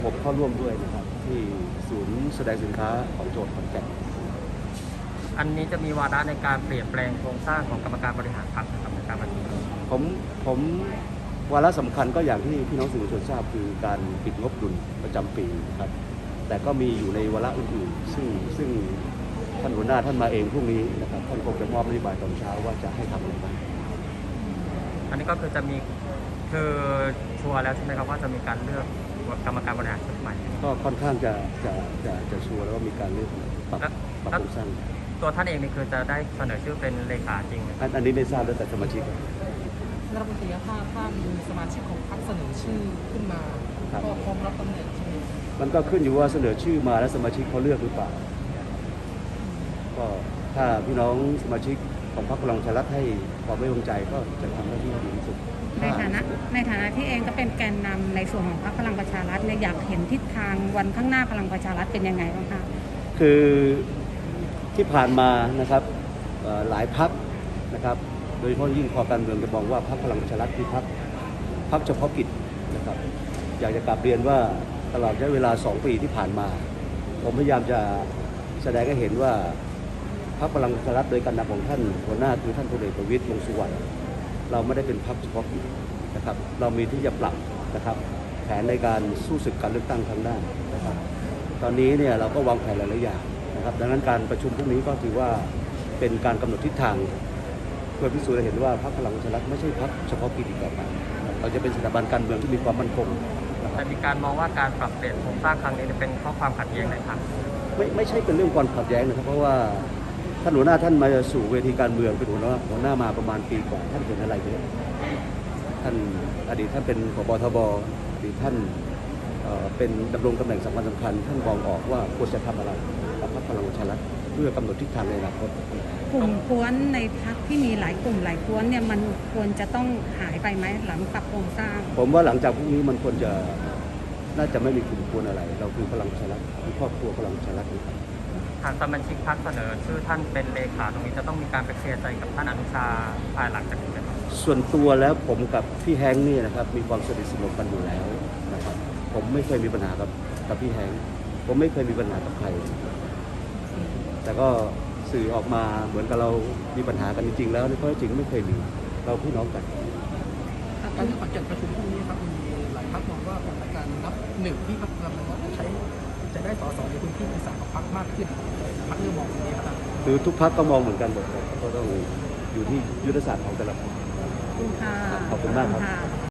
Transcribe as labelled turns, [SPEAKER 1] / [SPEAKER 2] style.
[SPEAKER 1] ผมเข้าร่วมด้วยนะครับที่ศูนย์แสดงสินค้าของโจทย์ขอนแก่น
[SPEAKER 2] อันนี้จะมีวาระในการเปลี่ยนแปลงโครงสร้างของกรรมการบริหารพรรคนะครับในการประชุม
[SPEAKER 1] ผมวาระสำคัญก็อย่างที่พี่น้องสื่อมวลชนทราบคือการปิดงบดุลประจำปีครับแต่ก็มีอยู่ในวาระอื่นๆซึ่งท่านหัวหน้าท่านมาเองพรุ่งนี้นะครับท่านคงจะมอบนโยบายตอนเช้าว่าจะให้ทำอะไรบ้าง
[SPEAKER 2] อันนี้ก็คือจะมีคือชัวร์แล้วใช่ไหมครับว่าจะมีการเลือกกรรมการบริหารชุดใหม่
[SPEAKER 1] ก็ค่อนข้างจะชัวร์แล้วว่ามีการเลือกปรับโครงสร้าง
[SPEAKER 2] ตัวท่านเองนี่คือจะได้เสนอชื่อเป็นเลขาจริงไหม
[SPEAKER 1] อันนี้ไม่ทราบแล้วแต่สมาชิก
[SPEAKER 3] รัฐมนตรีถ้ามีสมาชิกของพรรคเสนอชื่อขึ้นมาก็พร้อมรับตำแหน่งใช่ไหม
[SPEAKER 1] มันก็ขึ้นอยู่ว่าเสนอชื่อมาแล้วสมาชิกเขาเลือกหรือเปล่าก็ถ้าพี่น้องสมาชิกของพรรคพลังประชารัฐให้ความไว้วางใจก็จะทำหน้าที่ดีที่สุด
[SPEAKER 4] ในฐานะที่เองก็เป็นแกนนำในส่วนของพรรคพลังประชารัฐเนี่ยอยากเห็นทิศทางวันข้างหน้าพลังประชารัฐเป็นยังไงบ้างคะ
[SPEAKER 1] คือที่ผ่านมานะครับหลายพรรคนะครับโดยเฉพาะยิ่งคอการเมืองจะมองว่าพรรคพลังประชารัฐคือพรรคเฉพาะกิจนะครับอยากจะกลับเรียนว่าตลอดระยะเวลา2 ปีที่ผ่านมาผมพยายามจะแสดงให้เห็นว่าพรรคพลังประชารัฐโดยการนำของท่านหัวหน้าคือท่านพลเอกประวิตรวงษ์สุวรรณเราไม่ได้เป็นพรรคเฉพาะกิจนะครับเรามีที่จะปรับนะครับแผนในการสู้ศึกการเลือกตั้งครั้งหน้านะครับตอนนี้เนี่ยเราก็วางแผนหลายๆอย่างนะครับดังนั้นการประชุมพรุ่งนี้ก็ถือว่าเป็นการกำหนดทิศทางเพื่อพิสูจน์ให้เห็นว่าพรรคพลังประชารัฐไม่ใช่พรรคเฉพาะกิจอีกต่อไปเราจะเป็นสถาบันการเมืองที่มีความมั่นคง
[SPEAKER 2] แต่มีการมองว่าการปรับเปลี่ยนโครงสร้างครั้งนี้เป็นเพราะความขัดแย้งในพรรค
[SPEAKER 1] ไม่ใช่เป็นเรื่องความขัดแย้งนะครับเพราะว่าท่านหัวหน้าท่านมาสู่เวทีการเมืองเป็นหัวหน้ามาประมาณปีกว่าท่านเป็นอะไรเยอะท่านอดีตท่านเป็นผบทบอดีตท่านเป็นดำรงตำแหน่งสำคัญท่านมองออกว่าควรจะทำอะไรกับพรรคพลังประชารัฐเพื่อกำหนดทิศทางในอนาคต
[SPEAKER 4] กลุ่มกวนในพรรคที่มีหลายกลุ่มหลายกวนเนี่ยมันควรจะต้องหายไปไหมหลังปรับโครงสร้าง
[SPEAKER 1] ผมว่าหลังจากพรุ่งนี้มันควรจะน่าจะไม่มีกลุ่มกวนอะไรเราคือพลังประชารัฐคือครอบครัวพลังประชารัฐนะครับ
[SPEAKER 2] หากสมาชิกพรรคเสนอชื่อท่านเป็นเลขาตรงนี้จะต้องมีการไปเคลียร์ใจกับท่านอนุชาภายหลังจากนี้ไหมครับ
[SPEAKER 1] ส่วนตัวแล้วผมกับพี่แฮงค์นี่นะครับมีความสนิทสนมกันอยู่แล้วนะครับผมไม่เคยมีปัญหากับพี่แฮงค์ผมไม่เคยมีปัญหากับใครแต่ก็สื่อออกมาเหมือนกับเรามีปัญหากันจริงๆแล้วในข้อเท็จจริงไม่เคยมีเราพี่น้องกัน
[SPEAKER 3] การที่ขอนแก่นประชุมพรุ่งนี้ครับมีหลายพรรคมองว่าเป็นการนับหนึ่งที่พรรคพลังประชารัฐจะได้ส.ส.ในพื้นที่อีสานของพรรคมากขึ้นพรรคเรื่องมองอย่างนี้ครับ
[SPEAKER 1] คือทุกพรรคก็มองเหมือนกันหมดก็ต้องอยู่ที่ยุทธศาสตร์ของแต่ละพรรค
[SPEAKER 4] ขอบคุณค่ะ
[SPEAKER 1] ขอบคุณมากครับ